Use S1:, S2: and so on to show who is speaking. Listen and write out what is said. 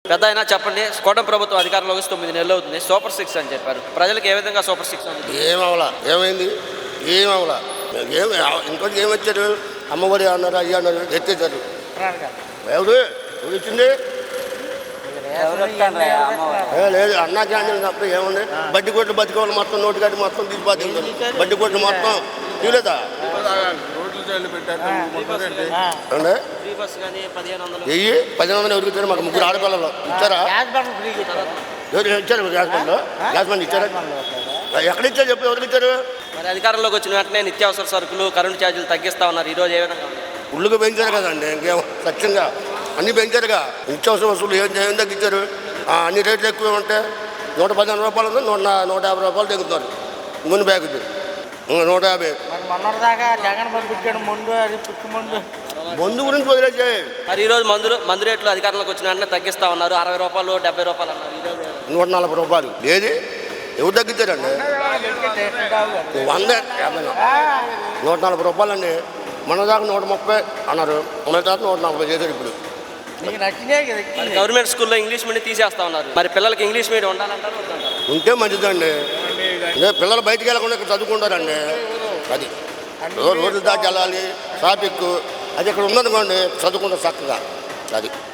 S1: పెద్ద అయినా చెప్పండి, కూటమి ప్రభుత్వం అధికారంలోకి 9 నెలలు అవుతుంది, సూపర్ 6 అని చెప్పారు. ప్రజలకు ఏ విధంగా సూపర్ 6 ఉంది?
S2: ఏమవలా, ఏమైంది, ఏమవలా, ఏమి ఇంకోటి ఏమొచ్చారు, అమ్మఒడి అన్నారు, అయ్యి అన్నారు, ఎత్తేసారు. ఎవరు ఎవరు ఇచ్చింది? లేదు, అన్నా క్యాంటీన్ తప్ప ఏముంది? బడ్డీ కొట్లు బతికోవాలి మొత్తం, నోటి గడ్డి మొత్తం తీసిపోతుంది, బడ్డీ కొట్లు మొత్తం తీయలేదా? వెయ్యి 1500 ఎవరికి ఇచ్చారు? మాకు 3 ఆడపిల్లలు ఇచ్చారా? ఎవరు ఇచ్చారు? గ్యాస్ బండ్లు, గ్యాస్ బండ్ ఇచ్చారా? ఎక్కడ ఇచ్చారు చెప్పు, ఎవరికి ఇచ్చారు?
S1: మరి అధికారంలోకి వచ్చిన వెంటనే నిత్యావసర సరుకులు, కరెంటు ఛార్జీలు తగ్గిస్తా ఉన్నారు. ఈరోజు ఏ విధంగా ఉంది?
S2: ఉళ్ళుగా పెంచారు కదండి, ఇంకేం సత్యంగా అన్నీ పెంచారుగా. నిత్యావసర వసూలు ఏం తగ్గించారు? అన్ని రేట్లు ఎక్కువ ఉంటాయి. 115 రూపాయలు ఉంది, 150 రూపాయలు తగ్గుతున్నారు. ముందు బ్యాగ్ 150. మందు గురించి వదిలేసాయి.
S1: మరి ఈరోజు మందు రేట్లు అధికారంలోకి వచ్చిన వెంటనే తగ్గిస్తా ఉన్నారు. 60 రూపాయలు, 70 రూపాయలు అన్నారు. ఈరోజు
S2: 140 రూపాయలు. ఏది ఎవరు తగ్గించారండి? 140 రూపాయలు అండి. మన దాకా 130 అన్నారు, మన దాకా 140 చేశారు. ఇప్పుడు
S1: గవర్నమెంట్ స్కూల్లో ఇంగ్లీష్ మీడియం తీసేస్తా ఉన్నారు. మరి పిల్లలకి ఇంగ్లీష్ మీడియం ఉండాలంటారు,
S2: ఉంటే మంచిదండి. పిల్లలు బయటికి వెళ్ళకుండా ఇక్కడ చదువుకుంటారండి. అది రోడ్లు దాటి వెళ్ళాలి, ట్రాఫిక్ అది ఇక్కడ ఉందనుకోండి, చదువుకుంటారు చక్కగా. అది